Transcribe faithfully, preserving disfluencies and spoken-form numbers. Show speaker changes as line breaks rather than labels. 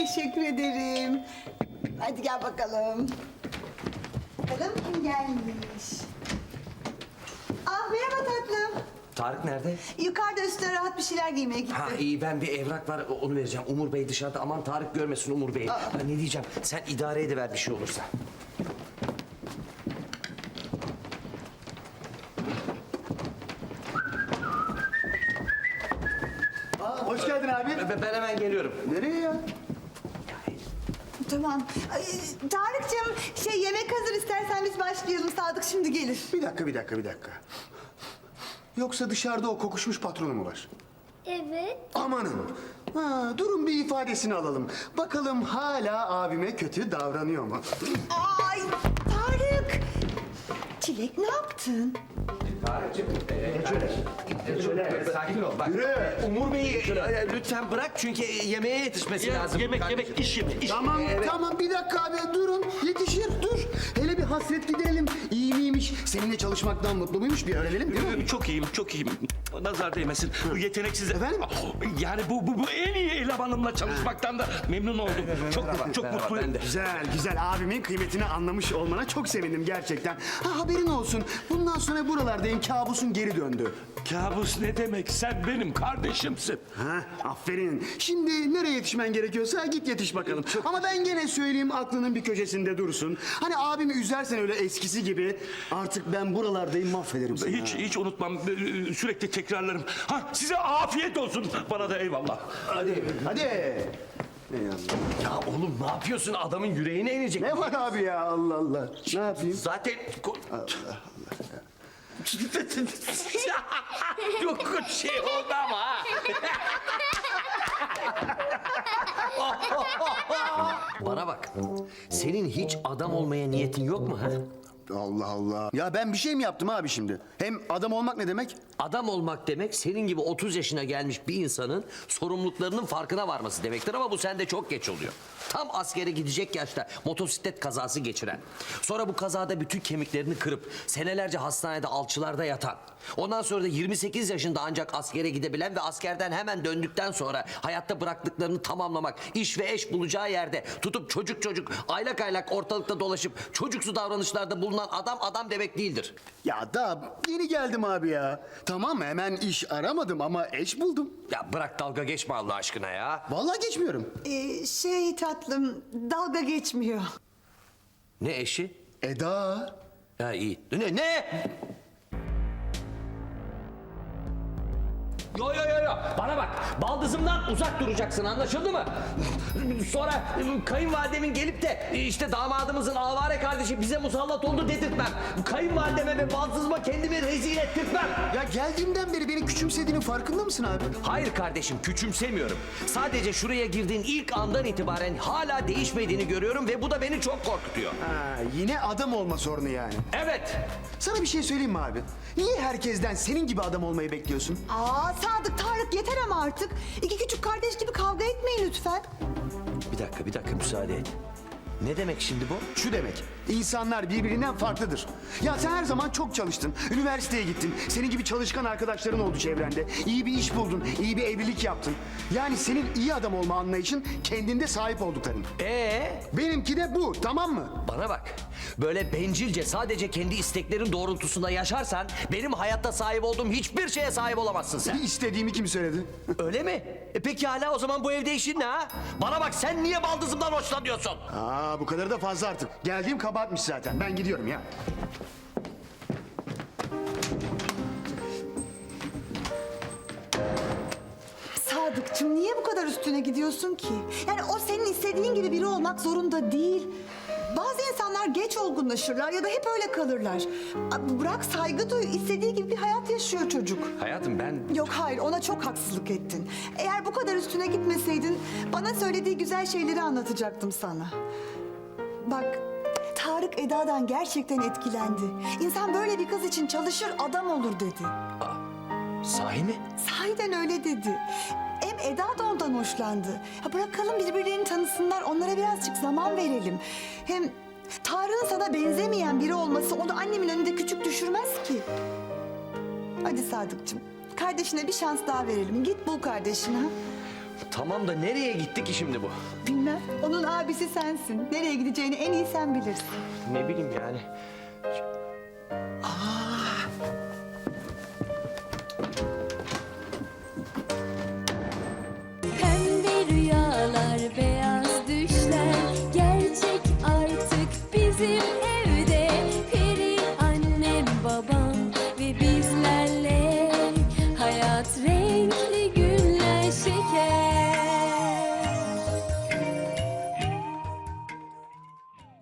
Teşekkür ederim. Hadi gel bakalım. Bakalım kim gelmiş. Ah merhaba tatlım.
Tarık nerede?
Yukarıda üstüne rahat bir şeyler giymeye gitti.
Ha iyi, ben bir evrak var, onu vereceğim. Umur Bey dışarıda, aman Tarık görmesin Umur Bey'i. Ha, ne diyeceğim, sen idare ediver bir şey olursa.
Aa, hoş geldin abi.
Ben, ben hemen geliyorum.
Nereye ya?
Tamam. Ay, Tarık'cığım şey yemek hazır, istersen biz başlayalım. Sadık şimdi gelir.
Bir dakika, bir dakika, bir dakika. Yoksa dışarıda o kokuşmuş patronu mu var?
Evet.
Amanın. Ha, durun bir ifadesini alalım. Bakalım hala abime kötü davranıyor mu?
Ay Tarık! Çilek ne yaptın?
Tarık'cığım, sakin ol. Bak,
Yürü.
Umur Bey'i e, lütfen bırak çünkü yemeğe yetişmesi lazım.
Yemek
kardeşim.
yemek iş yemek iş.
Tamam, tamam bir dakika abi durun. Yetişir, dur. Hele bir hasret giderelim. İyi miymiş, seninle çalışmaktan mutlu muymuş bir öğrenelim değil mi?
Çok iyiyim, çok iyiyim. Nazar değmesin. Bu yeteneksiz...
Efendim?
Yani bu, bu, bu en iyi elemanımla çalışmaktan da memnun oldum. Çok çok
merhaba,
mutluyum.
ben de.
Güzel, güzel. Abimin kıymetini anlamış olmana çok sevindim gerçekten. Ha, haberin olsun. Bundan sonra buralardayım. Kabusun geri döndü.
Kabus ne demek? Sen benim kardeşimsin.
Ha, aferin. Şimdi nereye yetişmen gerekiyorsa git yetiş bakalım. Ama ben gene söyleyeyim aklının bir köşesinde dursun. Hani abimi üzersen öyle eskisi gibi artık ben buralardayım mahvederim seni.
Hiç
ha.
hiç unutmam. Sürekli tekrarlarım. Ha size afiyet olsun. Bana da eyvallah.
Hadi. Hadi.
Ya oğlum ne yapıyorsun? Adamın yüreğine inecek.
Ne var abi ya Allah Allah. Ne yapayım?
Zaten... Çok şey oldu ama ha. Bana bak. Senin hiç adam olmaya niyetin yok mu ha?
Allah Allah. Ya ben bir şey mi yaptım abi şimdi? Hem adam olmak ne demek?
Adam olmak demek senin gibi otuz yaşına gelmiş bir insanın sorumluluklarının farkına varması demektir ama bu sende çok geç oluyor. Tam askere gidecek yaşta motosiklet kazası geçiren, sonra bu kazada bütün kemiklerini kırıp senelerce hastanede alçılarda yatan, ondan sonra da yirmi sekiz yaşında ancak askere gidebilen ve askerden hemen döndükten sonra hayatta bıraktıklarını tamamlamak, iş ve eş bulacağı yerde tutup çocuk çocuk aylak aylak ortalıkta dolaşıp çocuksu davranışlarda bulunan adam adam demek değildir.
Ya daha yeni geldim abi ya. Tamam hemen iş aramadım ama eş buldum.
Ya bırak dalga geçme Allah aşkına ya.
Vallahi geçmiyorum.
Ee, şey tatlım, dalga geçmiyor.
Ne eşi?
Eda.
Ha iyi. Ne? Ne? Yo yo yo yo. Bana bak. Baldızımdan uzak duracaksın, anlaşıldı mı? Sonra kayınvalidemin gelip de işte damadımızın avare kardeşi bize musallat oldu dedirtmem. Kayınvalideme ve baldızıma kendimi rezil ettirtmem.
Ya geldiğimden beri beni küçümsediğinin farkında mısın abi?
Hayır kardeşim, küçümsemiyorum. Sadece şuraya girdiğin ilk andan itibaren hala değişmediğini görüyorum ve bu da beni çok korkutuyor.
Ha, yine adam olma sorunu yani.
Evet.
Sana bir şey söyleyeyim mi abi? Niye herkesten senin gibi adam olmayı bekliyorsun?
Aa Sadık, Tarık yeter ama artık. İki küçük kardeş gibi kavga etmeyin lütfen.
Bir dakika, bir dakika müsaade et. Ne demek şimdi bu?
Şu demek, insanlar birbirinden farklıdır. Ya sen her zaman çok çalıştın, üniversiteye gittin, senin gibi çalışkan arkadaşların oldu çevrende. İyi bir iş buldun, iyi bir evlilik yaptın. Yani senin iyi adam olma anlayışın kendinde sahip oldukların.
Ee?
Benimki de bu, tamam mı?
Bana bak. Böyle bencilce sadece kendi isteklerin doğrultusunda yaşarsan benim hayatta sahip olduğum hiçbir şeye sahip olamazsın sen.
İstediğimi kim söyledi?
Öyle mi? E peki hala o zaman bu evde işin ne ha? Bana bak, sen niye baldızımdan hoşlanıyorsun?
Aa bu kadar da fazla artık. Geldiğim kabahatmiş zaten. Ben gidiyorum ya.
Sadıkçım niye bu kadar üstüne gidiyorsun ki? Yani o senin istediğin gibi biri olmak zorunda değil. Bazı insanlar geç olgunlaşırlar ya da hep öyle kalırlar. A, Bırak saygı duy, istediği gibi bir hayat yaşıyor çocuk.
Hayatım ben...
Yok hayır, ona çok haksızlık ettin. Eğer bu kadar üstüne gitmeseydin bana söylediği güzel şeyleri anlatacaktım sana. Bak, Tarık Eda'dan gerçekten etkilendi. İnsan böyle bir kız için çalışır, adam olur dedi.
Sahi mi?
Sahiden öyle dedi. Hem Eda da ondan hoşlandı. Ya bırakalım birbirlerini tanısınlar, onlara birazcık zaman verelim. Hem Tarık'ın sana benzemeyen biri olması onu annemin önünde küçük düşürmez ki. Hadi Sadıkçım, kardeşine bir şans daha verelim. Git bul kardeşini ha.
Tamam da nereye gitti ki şimdi bu?
Bilmem. Onun abisi sensin. Nereye gideceğini en iyi sen bilirsin.
Ne bileyim yani.